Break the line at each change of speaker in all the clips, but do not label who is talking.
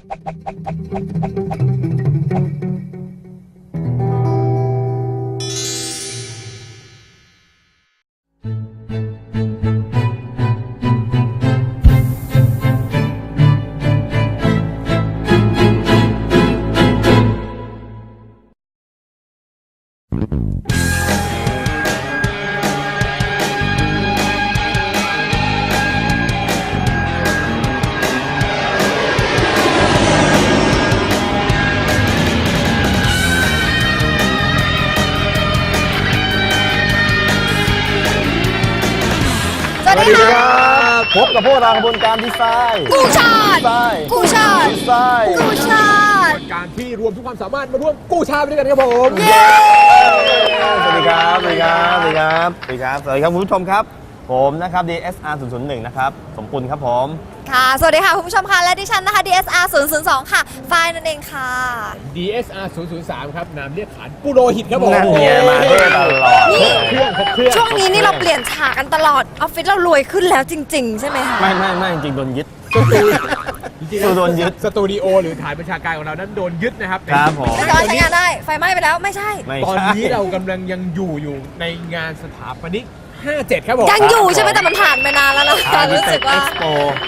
สวัสดีครับพบกับพวกเรากระบวนการดีไซน์
กู้ชาติกู้ชาติ
ดีไซน์
กู้ชาติ
การที่รวมทุกความสามารถมาร่วมกู้ชาติไปด้วยกันครับผม
สวัสดีครับสวัสดีครับสวัสดีครับสวัสดีครับสวัสดีครับคุณผู้ชมครับผมนะครับ DSR 001นะครับสมปุณครับผม
ค่ะสวัสดีค่ะคุณผู้ชมค่ะและดิฉันนะคะ DSR 002ค่ะฝ้ายนั่นเองค่ะ
DSR 003ครับนามเรียกขานปุโรหิตครับผม
นั่นไงมาเท่ตลอด
นี่
เครื่องครบเครื่อง
ช่วงนี้นี่เราเปลี่ยนฉากกันตลอดออฟฟิศเรารวยขึ้นแล้วจริงๆ ใช่ไหมคะ
ไม่จริงๆโดนยึด
จริงๆ
โดนยึด
สตูดิโอหรือฐานประชาการของเรานั้นโดนยึดนะครับ
ครับผม
ไม่สามารถใช้งานได้ไฟไหม้ไปแล้วไม่ใช่
ไม่
ตอน
ใช่
นี้เรากำลังยังอยู่ในงานสถาปนิก 57 ครับผม
ยังอยู่ใช่ไหมแต่มันผ่านไปนานแล้วนะ
อาร์ติ
รู้
เฟ
สึ
ก
ก
ต์เอ็
ว่า
กซ์โป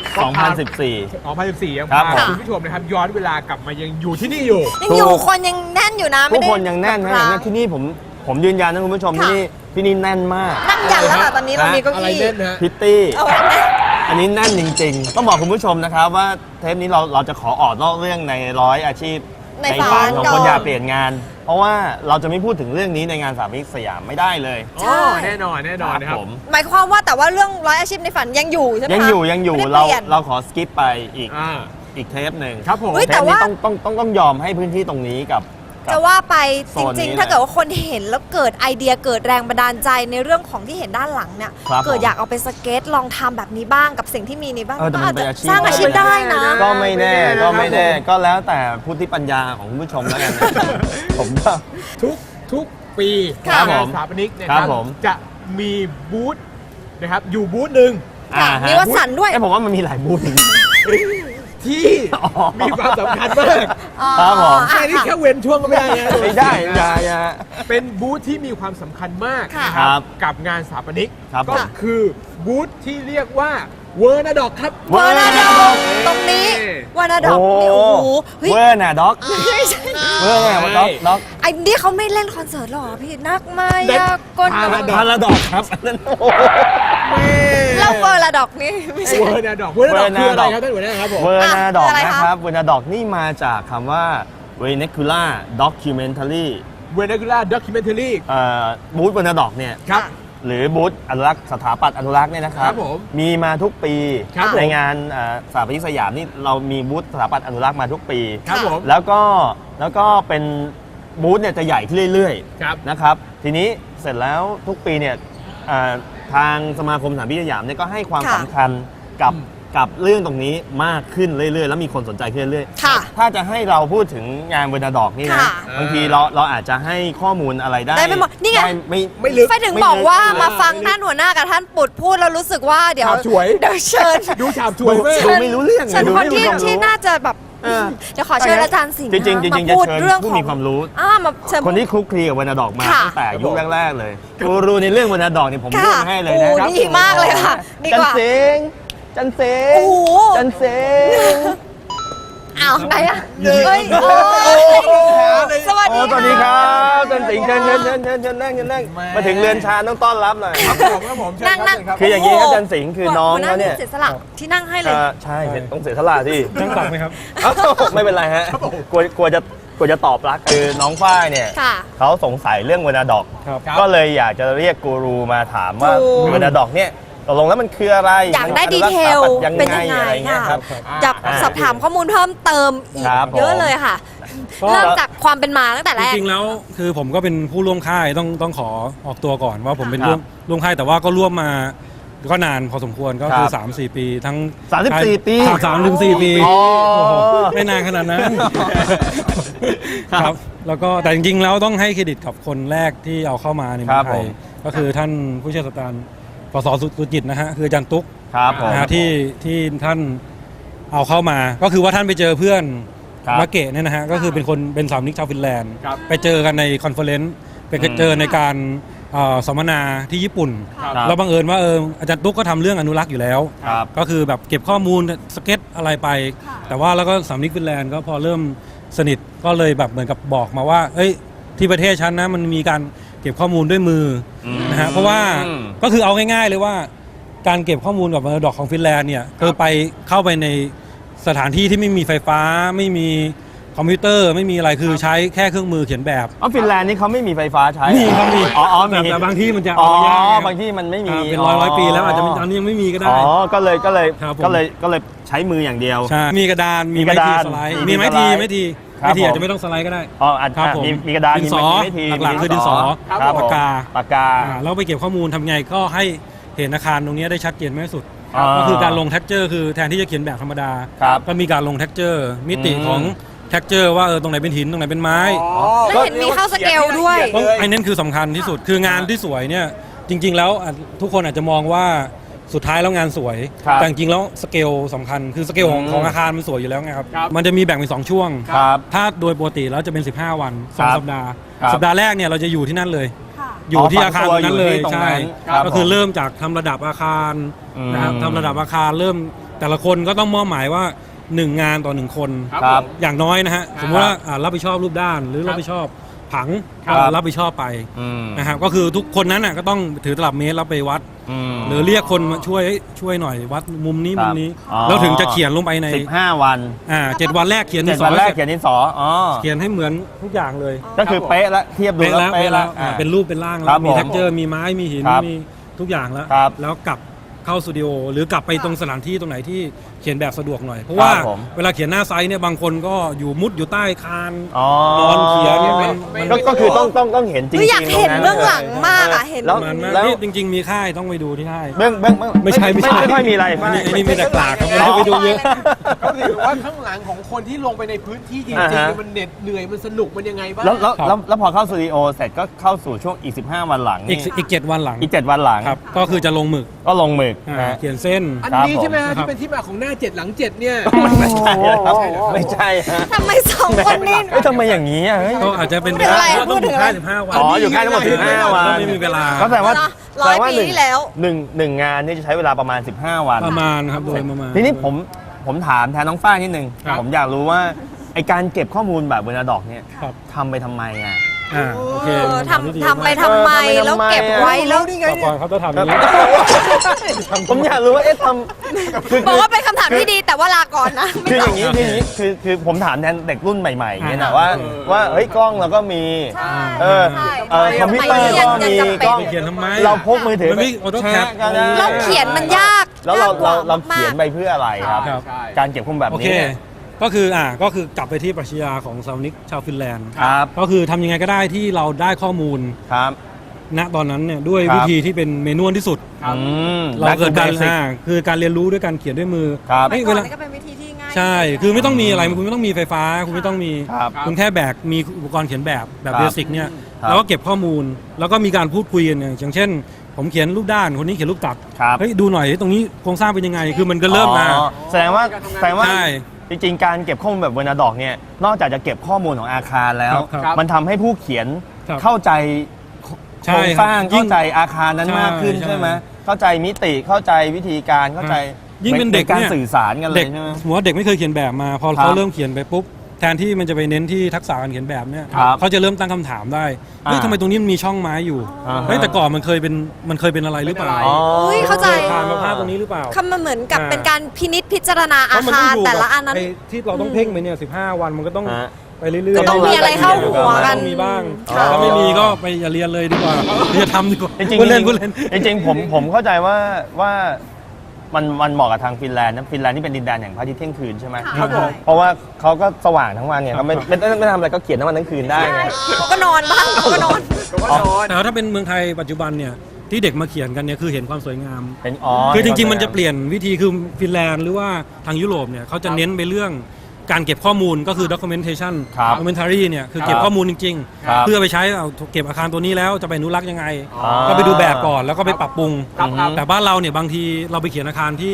2014
2014ยัง
ครับ
พา
ผม
คุณผู้ชมนะครับย้อนเวลากลับมายังอยู่ที่นี่อยู่
ยังอยู่คนยังแน่นอยู่นะ
ทุ
ไม่
ก
ได้
คนยังแน่นนะอย่างนั้นที่นี่ผมยืนยันนะคุณผู้ชมที่นี่แน่นมาก
นั่งยันแล้วค่ะตอนนี้เรามีเก้า
อะไร
อี้
เล่นนะฮะ
พิตตี้
เอาไว้
อันนี้แน่นจริงๆ ต้องบอกคุณผู้ชมนะครับว่าเทปนี้เราจะขอออกนอกเรื่องในร้อยอาชีพ
ใน
ฝั
ฝัน
ของคนอยากเปลี่ยนงาน เพราะว่าเราจะไม่พูดถึงเรื่องนี้ในงานสามมิตรสยามไม่ได้เลย
ใช่
อ๋อแน่นอนนะครับ
ผม
หมายความว่าแต่ว่าเรื่องร้อยอาชีพในฝันยังอยู่ใช่ไหมคะ
ยังอยู่
ไม่ได้
เรา
ปลี่ยน
เราขอสกิปไปอีก
อ่า
เทปหนึ่ง
ครับผม
เฮ้ย
เท
แต่
ป
ว่า
นี้ต้องยอมให้พื้นที่ตรงนี้กับ
จะว่าไป
โซ
จ
นนี้
ริง
เลย
ๆ ถ้าเกิดว่าคนเห็นแล้วเกิดไอเดียเกิดแรงบันดาลใจในเรื่องของที่เห็นด้านหลังเนี่ย
ครับ
เกิดอยากเอาไปสเก็ตลองทำแบบนี้บ้างกับสิ่งที่มีนี้บ้าง
แต่
ก็
มั
อาน จ
เป็น
จะ
อาชีพ
สร้างอาชีพได้นะ
ก็ไม่แน่
ไม่แน่
ก็แล้วแต่พุทธิปัญญาของคุณผู้ชมแล้วกันนะ ผมก็
ทุกปี
ครับ
งา
ผ
น
ม
สถาปนิกนะค
ครั
รั
บบ ผม
จะมีบูธนะครับอยู่บูธหนึ่ง
ค่ะ
ฮะ
มีวัสันต์ด้วย
ผมว่ามันมีหลายบูธ
ที่
อ๋อ
มีความสำคัญมาก
อ๋อ
ครับผม
แค่นี้แค่เว้นช่วงก็ไม่ได้นะ
ไม่ได้อย่า
เป็นบูธที่มีความสำคัญมาก
ค่ะ
นะครับ กับงานสถาปนิก
ครับ
ก็
ผม
คือบูธที่เรียกว่าเวอร์นาดอกครับ
วานาดอกตรงนี้วานาดอกนี่โอ้โหเฮ้ย
เวอร์น่ะด็อก
ไม่ใช่
เวอร์น่ะด็อก
ไอ้นี่เขาไม่เล่นคอนเสิร์ตหรอพี่นักมายากล
พาราดอกครับอันนั้นโอ้โห
แล้วเวอร์ละดอกนี่ไม่ใช่
เวอร์นาดอกเวอร์นาดอกคืออะไรครับท่านหัวหน้าครับผม
เวอร์น่ะดอก
อะไรคะ
นะครับเวอร์น่ะดอกนี่มาจากคำว่า vernacular documentary
เวอร์นาคูล่าด็อกิเมนทารี
บูธเวอร์น่ะดอกเนี่ย
ครับ
หรือบูธอนุรักษ์สถาปัตย์อนุรักษ์เนี่ยนะครับ
ครับผม
มีมาทุกปี
ครับผม
ในงานสถาปนิกสยามนี่เรามีบูธสถาปัตย์อนุรักษ์มาทุกปี
ครับผม
แล้วก็เป็นบูธเนี่ยจะใหญ่ขึ้นเรื่อย
ครับ
ๆนะครับทีนี้เสร็จแล้วทุกปีเนี่ยทางสมาคมสถาปนิกสยามเนี่ยก็ให้ความ
ค่ะ
สำคัญกับเรื่องตรงนี้มากขึ้นเรื่อยๆ แล้วมีคนสนใจขึ้นเรื่อย
ค่ะ
ถ้าจะให้เราพูดถึงงานเวอร์นาดอกนี่นะ
ค่ะ
บางทีเราอาจจะให้ข้อมูลอะไรได้
ได้ไม่หมดนี่ไง
ด้ไม่
ลึก
ไฟถึงบอกว่ามาฟังท่านหัวหน้ากับท่านปุดพูดแล้วรู้สึกว่าเดี๋ยว
ฉาบฉวย
เดี๋ยวเชิญ
ดูฉาบฉวยมาก
ดูไม่รู้เรื่อง
เชิญ
ดู
คน
ไม่รู้
ที่
ความรู้
ที่น่าจะแบบ
เออ
เดี๋ยวขอเชิญอาจารย์สิงห์
จริงๆ
นะ
จริงๆ
มาพูด
จะเชิญ
เรื่อง
ผู้
ของ
มีความรู้
มาเชิญ
คนที่คลุกคลีกับวรรณดอกมา
ค่ะ
ตั้งแต่ยุคแรกๆเลยกูรู้ในเรื่องวรรณดอกเนี่ยผม
ค่ะ
เลือกให้เลยนะ
โอ้ดีมากเลยค่ะดีกว่า
จันเสง
โอ้โห
จันเสง
อ้าวไหนอะเฮ้ยโอ้ยสวัส
โอ้
ดี
สวัสดีครับจันสิงห์เชิญนั่งมาถึงเรือนชาต้องต้อนรับหน่อย
ครับผมครับผมเชิญ
นั่ง
ครั
นั่
บ
ง
เชิญครับ
คืออย่างนี้ครับจันสิงห์คือน้องเขาเนี่ย
เสียสละที่นั่งให้เลย
ใช่ต้องเสียสละที่
นั่งตักไหมครับ
เอ้าไม่เป็นไรฮะกลัวจะตอบรักคือน้องฝ้ายเนี่ย
ค่ะ
เขาสงสัยเรื่องวรรณดอก
ครับ
ครับ
ก็เลยอยากจะเรียกกูรูมาถามว่า
ถูก
วรรณดอกเนี่ยตกลงแล้วมันคืออะไร
อยากได้
มัน
ดีเทล
ยัง
เป็น
ไง
ยังไง
อะไรเงี้ย
ค่ะ
ครับ
อยากสอบถามข้อมูลเพิ่มเติมอีก
ครับผม
เยอะเลยค่ะ
ก็
เริ่มจากความเป็นมาตั้งแต่
จ
แรก
ริงๆแล้วคือผมก็เป็นผู้ร่วมค่ายต้องขอออกตัวก่อนว่าผมเป็น
ครับ
ร่วมค่ายแต่ว่าก็ร่วมมาก็นานพอสมควรก็คือ
ครับ
3-4 ปีทั้ง
34 ปี
3-4 ปี
อ๋อ
โอ้โหไม่นานขนาดนั้น
ครับ
ครับแล้วก็แต่จริงๆแล้วต้องให้เครดิตกับคนแรกที่เอาเข้ามาในเมื
ครั
อบ งไท
ผ
ย
ม
ก็คือท่านผู้เชี่ยวชาญปสสุจิตนะฮะคืออาจารย์ตุ๊ก
ครับผม
นะฮะที่ท่านเอาเข้ามาก็คือว่าท่านไปเจอเพื่อน
ครับ
มาเกะเนี่ยนะฮะก็คือเป็นสามนิกชาวฟินแลนด์
ครับ
ไปเจอกันในคอนเฟอเรนซ์ไปเจอในการสัมมนาที่ญี่ปุ่น
ครับ
แล้วบังเอิญว่าอาจารย์ตุ๊กก็ทำเรื่องอนุรักษ์อยู่แล้ว
ครับ
ก็คือแบบเก็บข้อมูลสเก็ตอะไรไป แต่ว่าแล้วก็สามนิกฟินแลนด์ก็พอเริ่มสนิทก็เลยแบบเหมือนกับบอกมาว่าเอ้ยที่ประเทศฉันนะมันมีการเก็บข้อมูลด้วยมืออ
ม
นะฮะเพราะว่าก็คือเอาง่ายๆเลยว่าการเก็บข้อมูลกับมรดกของฟินแลนด์เนี่ยคือไปเข้าไปในสถานที่ที่ไม่มีไฟฟ้าไม่มีคอมพิวเตอร์ไม่มีอะไรคือใช้แค่เครื่องมือเขียนแบบ
ฟินแลนด์นี่เขาไม่มีไฟฟ้าใช้
มีครับมี
อ๋อมี
แต่บางที่มันจะ
อ๋อ
เอายากไง
บางที่มันไม่มี
เป็นร้อยปีแล้วอาจจะตอนนี้ยังไม่มีก็ได้
อ๋อก็เลย
ครับผม
ก็เลยใช้มืออย่างเดียว
ใช่มีกระดานมี
มีก
ไม้
ระ
ที
ดาน
สไลด์
มี
มีไม้
สไล
ที
ด์
ไม้ที
ครับ
ไม้ทีอาจ
ผม
จะไม่ต้องสไลด์ก็ได้
อ๋ออาจ
ครับผม
มีกระดาน
ดินสอ
มีที
หลักๆคือดินสอ
ครับผม
ปากกา
ปากกา
แล้วไปเก็บข้อมูลทำไงก็ให้เห็นอาคารตรงนี้ได้ชัดเจนมากที่สุด
อ่า
ก็คือการลงแท็กเจอร์คือแทนที่จะเขียนแบบธรรมดา
ครับ
ก็มีการลงแท็กเจอร์มิติ
อืม
ของแท็กเจอร์ว่าตรงไหนเป็นหินตรงไหนเป็นไม้
แล้วเห็นมีเข้าสเกลด้วย
ต้องไอ้นั่นคือสำคัญที่สุดคืองานที่สวยเนี่ยจริง ๆ แล้วทุกคนอาจจะมองว่าสุดท้ายแล้วงานสวย
ครับ
แต่จริงๆแล้วสเกลสำคัญคือสเกลของอาคารมันสวยอยู่แล้วไงครับมันจะมีแบ่งเป็น2ช่วง
ครับ
ถ้าโดยปกติแล้วจะเป็น15 วัน
ครับ
2 สัปดาห์
ครับ
สัปดาห์แรกเนี่ยเราจะอยู่ที่นั่นเลย
ค่ะ
อยู่ที่อาคารตรงนั้นเลย
อยู่ที่ตรง
ใช่
นั้นครับ
ก็คือ
ผม
เริ่มจากทำระดับอาคารนะครับ
อืม
ทำระดับอาคารเริ่มแต่ละคนก็ต้องมอบหมายว่า 1 งานต่อ 1 คน
ครับ
อย่างน้อยนะฮะสมมติว่ารับผิดชอบรูปด้านหรือรับผิดชอบผัง
ครับ
ก็รับผิดชอบไป
อืม
นะครับก็คือทุกคนนั้นน่ะก็ต้องถือตลับเมตรแล้วไปวัด
ม
หรือเรียกคนมาช่วยหน่อยวัดมุมนี้
ครับ
มุมนี้
อ๋อ
แล้วถึงจะเขียนลงไปใน
15 วัน
7 วันแรกเขียน
เจ็
ที่
ด
สอ
วั
ง
นแรกเขียนดินสออ๋อ
เขียนให้เหมือนทุกอย่างเลย
ก็คือเป๊ะแล้วเทียบดู
เป๊ะ
แล้
แล้ว วเป๊ะแล้ว
อ่า
เป็นรูปเป็นร่าง
ครั
แล้
บ
วมี
ผม
แท็กเจอร์มีไม้มีหิน
ครับ
มีทุกอย่างแล้ว
ครับ
แล้วกลับเข้าสตูดิโอหรือกลับไปตรงสถานที่ตรงไหนที่เขียนแบบสะดวกหน่อย เพราะว่า
ครับผม
เวลาเขียนหน้าไซต์เนี่ยบางคนก็อยู่มุดอยู่ใต้คาน
อ๋อน
อนเขียนมัน
ก็คือต้องเห็นจริง
คือ
ๆ
อยากเห็น
ตร
เบื้องหลังมากอะเห็น
แล้ว
มันมาก
แล้ว
นี่จริง ๆ มีค่ายต้องไปดูที่ค่าย
เบื้อง
ไม่ใช่
ไม่ค่อยมีอะไร
อันนี้มีแต่กลากครับไม่ได้ไปดูเยอะ
ก็ถือว่าข้างหลังของคนที่ลงไปในพื้นที่จริง
อ่าฮะ
ๆมันเหน็ดเหนื่อยมันสนุกมันยังไงบ้าง
แล้วพอเข้าสตูดิโอเสร็จก็เข้าสู่ช่วงอีก 15 วันหลัง
อีก 7 วันหลัง
อีก 7 วันหลัง
ครับก็คือจะลงหมึก
ก็ลงหมึก
อ่า
นะ
เขียนเส้น
อัน
ครับ
นี้ใช่ไหมฮะ
ผม
ที่เป็นที่มาของหน้า7หลัง7เนี่ย
ไม่ใช่ครับไม่ใช่ฮะ
ทำไมสองคนนี้
เฮ้ยทำไมอย่างนี้อ่ะเฮ้ย
ก็อาจจะเป็น
พูดถึงอะไร
เพาต้อง
พูดถึ
อยู่
งอะไร
ค่าย15 วัน
อ๋ออยู่ค่ายทั้งหมด15 วัน
ไม่มีเวลา
ก็แสดงว่า
ร้อย
แสดงว่า
ปีที่แล้ว
หนึ่งงานนี่จะใช้เวลาประมาณ 15 วัน
ประมาณครับโดยประมาณ
ทีนี้ผมถามแทนน้องฝ้ายนิดนึง
ครับ
ผมอยากรู้ว่าไอการเก็บข้อมูลแบบเวลาดอกเนี่ย
ครับ
ทำไปทำไมอ่ะ
โอเค
ทำไปทำไมแล้วเก็บไว้แล้ว
ต่อก่อนเขาจะทำอย่างนี้
ผมอยากรู้ว่าเอ๊ะทำคือ
บอกว่าเป็นคำถามที่ดีแต่ว่าลาก่อนนะไม่
คือ
ต
อ
อบ
ย่างนี้คืออย่างนี้คือผมถามแทนเด็กรุ่นใหม่ๆอย่างเงี้ยนะ
อ่า
ว่าเฮ้ยกล้องเราก็มี
ใช่
เออ
ใช่
คอมพิวเตอร์ก็มี
ยังจำเป็น
กล้อง
ไปเขียนทำไม
เราพกมือถือ
มันไม่ AutoCAD
ก็ได้
เราเขียนมันยาก
แล้วเรา
ยกกว่
เขียนไปเพื่ออะไรครับ
ครับ
การเก็บข้อมูลแบบ
โอเค
นี้
ก็คือกลับไปที่ปรัชญาของซาวนิกชาวฟินแลนด์
ครับ
ก็คือทำยังไงก็ได้ที่เราได้ข้อมูล
ครับ
ณตอนนั้นเนี่ยด้วย
ครับ
วิธีที่เป็นเมนวลที่สุด
ครับ
เราเกิดการ
Back to basic
คือการเรียนรู้ด้วยการเขียนด้วยมือ
ครับ
เอ้ย
ก่
เว
อน
ลา
นี่ก็เป็นวิธีที่ง่าย
ใช่ คือไม่ต้องมีอะไรคุณไม่ต้องมีไฟฟ้า คุณไม่ต้องมี
ครับ
คุณแค่แบกมีอุปกรณ์เขียนแบบ
ครับ
เบสิกเนี่ย
ครับ
แล้วก็เก็บข้อมูล แล้วก็มีการพูดคุยกันอย่างเช่น ผมเขียนรูปด้านคนนี้เขียนรูปตัด
ครับ
เฮ้ยดูหน่อยตรงนี้โครงสร้างเป็นยังไง คือมันก็เริ่มมา
อ๋อแสดงว่า
ใช่
จริงๆ การเก็บข้อมูลแบบเวอร์นาดอกเนี่ยนอกจากจะเก็บข้อมูลของอาคารแล้ว
ครับ
มันทำให้ผู้เขียน
ครับ
เข้าใจโค
ใช่
รงสร้าง
ครับยิ่
เข้าง ใจอาคารนั้นมากขึ้น
ใช่
ใช่ไหมเข้าใจมิติเข้าใจวิธีการเข้าใจ
ยิ่งเป็นเด็ก
การ
เนี่ย
สื่อสารกันเล
เด็
ย
ก
ใช่ไหม
สมมติว่าเด็กไม่เคยเขียนแบบมา พอ
ครั
เขา
บ
เริ่มเขียนไปปุ๊บแทนที่มันจะไปเน้นที่ทักษะการเขียนแบบเนี่ย
ครับ
เขาจะเริ่มตั้งคำถามได้เฮ้ย
อ่า
ทำไมตรงนี้มันมีช่องไม้อยู่
อ่าฮะ
เฮ้ยแต่ก่อนมันเคยเป็นอะไรหรือเปล่า
อ๋อ
อุ้ยเข้าใจ
ผ่านมาภาพตรงนี้หรือเปล่า
คำมันเหมือนกับเป็นการพินิจพิจารณาอา
เพะมัน
คาร
ยู่
แต่ละ
กับ
อันนั้น
ไที่เราต้องเพ่งไปเนี่ย15 วันมันก็ต้อง
ฮะ
ไปเรื่อยๆ
ก็ต้องมีอะไรเข้าหัวกัน
ต้องมีบ้าง
ค่ะ
ถ้าไม่มีก็ไปอย่าเรียนเลยดีกว่าอย่าทำดีกว่า
จริง
พูดเล่นพูดเล่น
จริงๆผมเข้าใจว่ามันเหมาะกับทางฟินแลนด์นะฟินแลนด์นี่เป็นดินแดนแห่งพระอาทิตย์เที่ยงคืนใช่ไหม
ครับผม
เพราะว่าเขาก็สว่างทั้งวันเนี่ยเขาไม่ทำอะไรก็เขียนทั้งวันทั้งคืนได้ไง
เขาก็นอนบ้างเขาก็นอน
แต่ว่าถ้าเป็นเมืองไทยปัจจุบันเนี่ยที่เด็กมาเขียนกันเนี่ยคือเห็นความสวยงาม
เป็น
คือจริงๆมันจะเปลี่ยนวิธีคือฟินแลนด์หรือว่าทางยุโรปเนี่ยเขาจะเน้นไปเรื่องการเก็บข้อมูลก็คือ documentation
ครับ
documentary เนี่ยคือเก็บ
ครับ
ข้อมูลจริง
ครับ
ๆ เพื่อไปใช้เอาเก็บอาคารตัวนี้แล้วจะไปอนุรักษ์ยังไง
อ่า
ก็ไปดูแบบก่อนแล้วก็ไปปรับปรุง
ครับ
แต่บ้านเราเนี่ยบางทีเราไปเขียนอาคารที่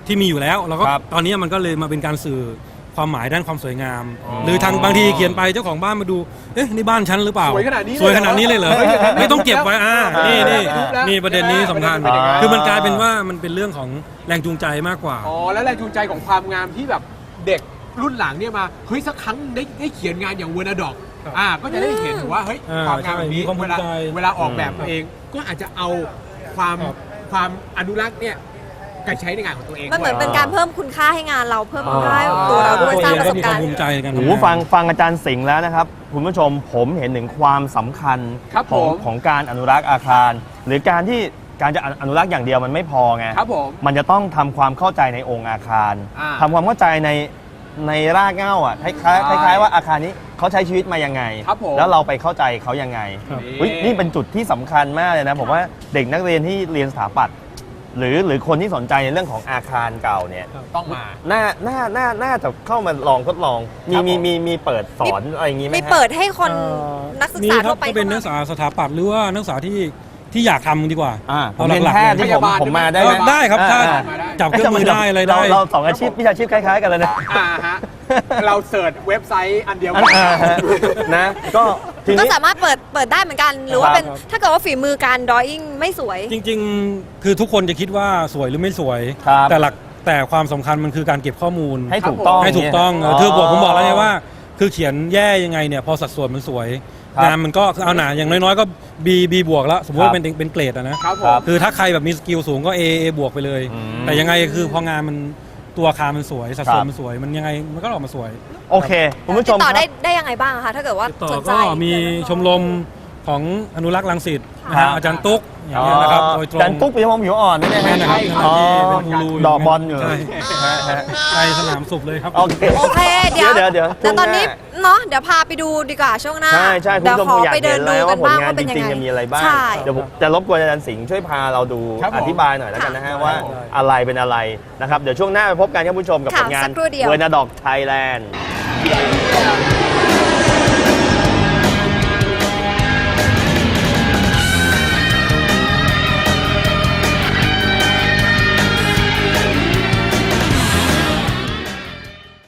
ที่มีอยู่แล้วแล้วก็
ครับ
ตอนนี้มันก็เลยมาเป็นการสื่อความหมายด้านความสวยงาม หรือทางบางทีเขียนไปเจ้าของบ้านมาดูเอ๊ะนี่บ้านฉันหรือเปล่า
สวยขนาดนี้
สวยขนาดนี้เลยเหรอ
เฮ้ยอย่างนั้น
ไม่ต้องเก็บไว้นี่
รูปแล้ว
นี่ประเด็นนี้สำคัญ
ประเด็นนี้
คือมันกลายเป็นว่ามันเป็นเรื่องของแรงจูงใจมากกว่า
อ๋อแล้วแรงจูงใจของความงามที่แบบเด็กรุ่นหลังเนี่ยมาเฮ้ยสักครั้งได้เขียนงานอย่างเวอร์นาดอก
ครับ
ก็จะได้เห็นว่าเฮ้ย
อ่า
ความงามแบบนี้
ใช่มีความภู
เว
มิ
ลา
ใจ
เวลาออกแบบเองก็อาจจะเอาความ
ครับ
ความอนุรักษ์เนี่ยไปใช้ในงานของตัวเอง
มันเหมือน
ด้วย
เป็นการเพิ่มคุณค่าให้งานเราเพิ่มคุณค่าให้ตัวเราด้วยสร้างประสบการณ์
มีควมภูมิใจในการ
โอ้
ทำ
โห
งาน
ฟังอาจารย์สิงห์แล้วนะครับคุณผู้ชมผมเห็นถึงความสำคัญ
ครับ
ของ
ผม
ของการอนุรักษ์อาคาร หรือการที่การจะอนุรักษ์อย่างเดียวมันไม่พอไง
ครับผม
มันจะต้องทำความเข้าใจในองค์อาคาร ทำความเข้าใจในรากเหง้าอ่ะคล้ายๆว่าอาคารนี้เขาใช้ชีวิตมายังไง
ครับผม
แล้วเราไปเข้าใจเขายังไง
ครับ
อุ๊ยนี่เป็นจุดที่สำคัญมากเลยนะผมว่าเด็กนักเรียนที่เรียนสถาปัตย์หรือคนที่สนใจในเรื่องของอาคารเก่าเนี่ย
ต้องมา
น่าจะเข้ามาลองทดลอง
ครับผม
มีเปิดสอนอะไรอย่างงี้ไหม
มี
ฮะ
เปิดให้คนนักศึก
มี
ษา
ครั
ทั่
บ
วไป
ก็เป็นนักศึกษาสถาปัตย์หรือว่านักศึกษาที่อยากทำดีกว่า
ผมเรียนแพทย์ที่
พยาบาล
ผมมาได้
เอ
ไหม
อได้ครับถ้า
อ่า
จับเครื่องมือได้อะไรได้
เราสองอาชีพวิชาชีพคล้ายๆกันเลยนะ
ฮะเราเสิร์ชเว็บไซต์อันเดียวกัน
นะก็ที
ก็
นี้
สามารถเปิดได้เหมือนกัน หรือว่าเป็น
ครับ
ถ้าเกิดว่าฝีมือการดรออิ่งไม่สวย
จริงๆ คือทุกคนจะคิดว่าสวยหรือไม่สวย
ครับ
แต่ความสำคัญมันคือการเก็บข้อมูล
ให้ถูกต้อง
ให้ถูกต้องคือผมบอกแล้วไงว่า คือเขียนแย่ยังไงเนี่ยพอสัดส่วนมันสวย
ครับ
งานมันก็คือเอาหนาอย่างน้อยๆก็ B บวกแล้วสมมติว่าเป็นเกรดอะนะครับ
ผม
คือถ้าใครแบบมีสกิลสูงก็ A บวกไปเลย
อืม
แต่ยังไงคือพองานมันตัวอาคารมันสวยสัดส่ว
ครั
น
บ
มันสวยมันยังไงมันก็ออกมาสวย
โอเคคุณผู้ช
ติ
ม
ดต่อ
ค
ได้
รับ
ได้ยังไงบ้างคะถ้าเกิดว่า
ติดต่อ
สนใจ
ก็มีชมรมของอนุรักษ์รังสิตนะ
ครั
ฮะ
บ
อาจารย์ตุ๊กอย่างเงี้ยนะครับโดยตรง
จันตุ๊กปีมองผิวอ่อนนี่นะ
นั่
ฮะ
นนะครับ
อ๋อ
ที่เป็นกูรู
ดอกบอลอยู่
ใช่
ฮะ
ไปสนามสุบเลยครับ
โอเค
โอเคเดี๋ยว
เดี๋ยว
แต่ตอนนี้เนาะเดี๋ยวพาไปดูดีกว่าช่วงหน้า
ใช่คุณ
เดี๋ยว
ผู้ชม
ขอ
อยาก
ไปเดิ
เห็
น
น
ดู
แล้ว
กั
ว่าน ผล
บ้าง
งาน
ว่า
จ
เป็นยัง
ริง
ไง
ๆจะมีอะไรบ้าง
ใช่
เดี๋ยวผมจะรบกวนอาจารย์สิงห์ช่วยพาเราดู
ครับผม
อธิบายหน่อยแล้วกันนะฮะ
ค่ะ
ว่าอะไรเป็นอะไรนะครับเดี๋ยวช่วงหน้าไปพบกันครับคุณผู้ชมกับ
ค่ะ
ผลงาน
สักครู่เดียว
เวอร์นาดอกไทยแลนด์